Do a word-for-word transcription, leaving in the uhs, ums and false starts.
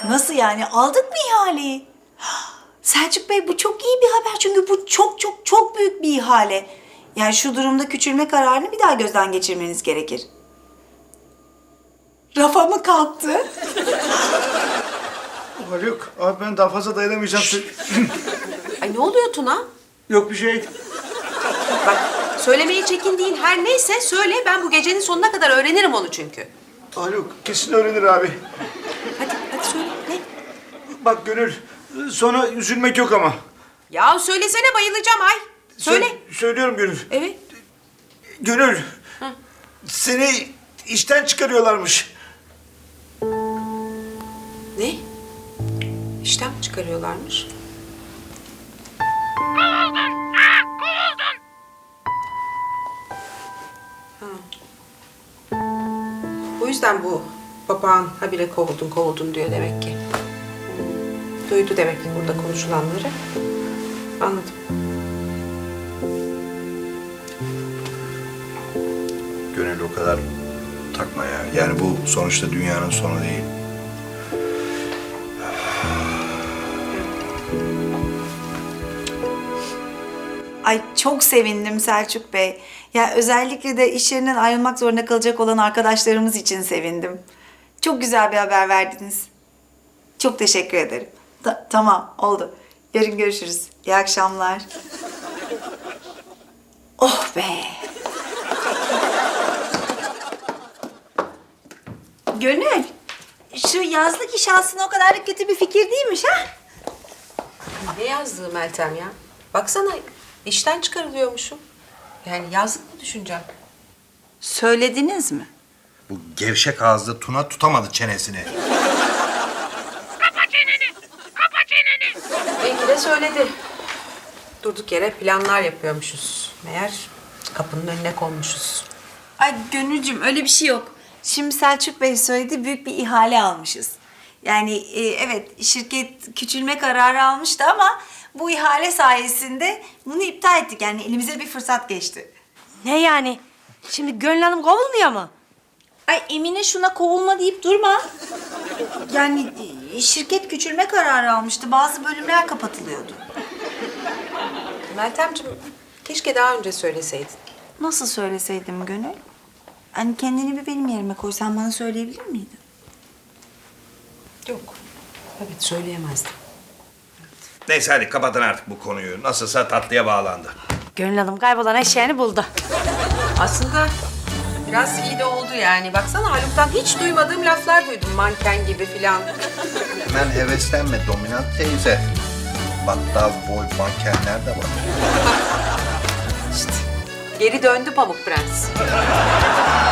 Nasıl yani? Aldık mı ihaleyi? Selçuk Bey bu çok iyi bir haber çünkü bu çok çok çok büyük bir ihale. Yani şu durumda küçülme kararını bir daha gözden geçirmeniz gerekir. Rafa mı kalktı? Haluk, abi ben daha fazla dayanamayacağım. Ay ne oluyor Tuna? Yok bir şey. Bak söylemeye çekindiğin her neyse söyle. Ben bu gecenin sonuna kadar öğrenirim onu çünkü. Haluk kesin öğrenir abi. Hadi hadi söyle. Ne? Bak Gönül, sonra üzülmek yok ama. Ya söylesene bayılacağım ay. Söyle. Sö- söylüyorum Gönül. Evet. Gönül, seni işten çıkarıyorlarmış. Ne? İşten mi çıkarıyorlarmış? Ha. O yüzden bu papağan habire kovuldun kovuldun diyor demek ki. Hmm. Duydu demek ki burada konuşulanları. Anladım. Gönül o kadar takma ya. Yani bu sonuçta dünyanın sonu değil. Ay çok sevindim Selçuk Bey. Ya özellikle de iş yerinden ayrılmak zorunda kalacak olan arkadaşlarımız için sevindim. Çok güzel bir haber verdiniz. Çok teşekkür ederim. Ta- tamam, oldu. Yarın görüşürüz. İyi akşamlar. Oh be! Gönül, şu yazlık iş aslında o kadar da kötü bir fikir değilmiş ha? Ne yazdığı Meltem ya? Baksana işten çıkarılıyormuşum. Yani yazlık mı düşüneceğim? Söylediniz mi? Bu gevşek ağızlı Tuna tutamadı çenesini. Belki de söyledi. Durduk yere planlar yapıyormuşuz. Meğer kapının önüne konmuşuz. Ay Gönülcüm öyle bir şey yok. Şimdi Selçuk Bey söyledi, büyük bir ihale almışız. Yani e, evet şirket küçülme kararı almıştı ama bu ihale sayesinde bunu iptal ettik. Yani elimize bir fırsat geçti. Ne yani? Şimdi Gönül Hanım kovulmuyor mu? Ay Emine şuna kovulma deyip durma. Yani e, şirket küçülme kararı almıştı. Bazı bölümler kapatılıyordu. Meltemciğim keşke daha önce söyleseydin. Nasıl söyleseydim Gönül? Hani kendini bir benim yerime koy. Sen bana söyleyebilir miydin? Yok. Evet söyleyemezdim. Neyse hadi kapatın artık bu konuyu. Nasılsa tatlıya bağlandı. Gönül Hanım kaybolan eşeğini buldu. Aslında biraz iyi de oldu yani. Baksana Haluk'tan hiç duymadığım laflar duydum. Manken gibi filan. Hemen heveslenme dominant teyze. Battal boy mankenler de var. İşte geri döndü Pamuk Prens.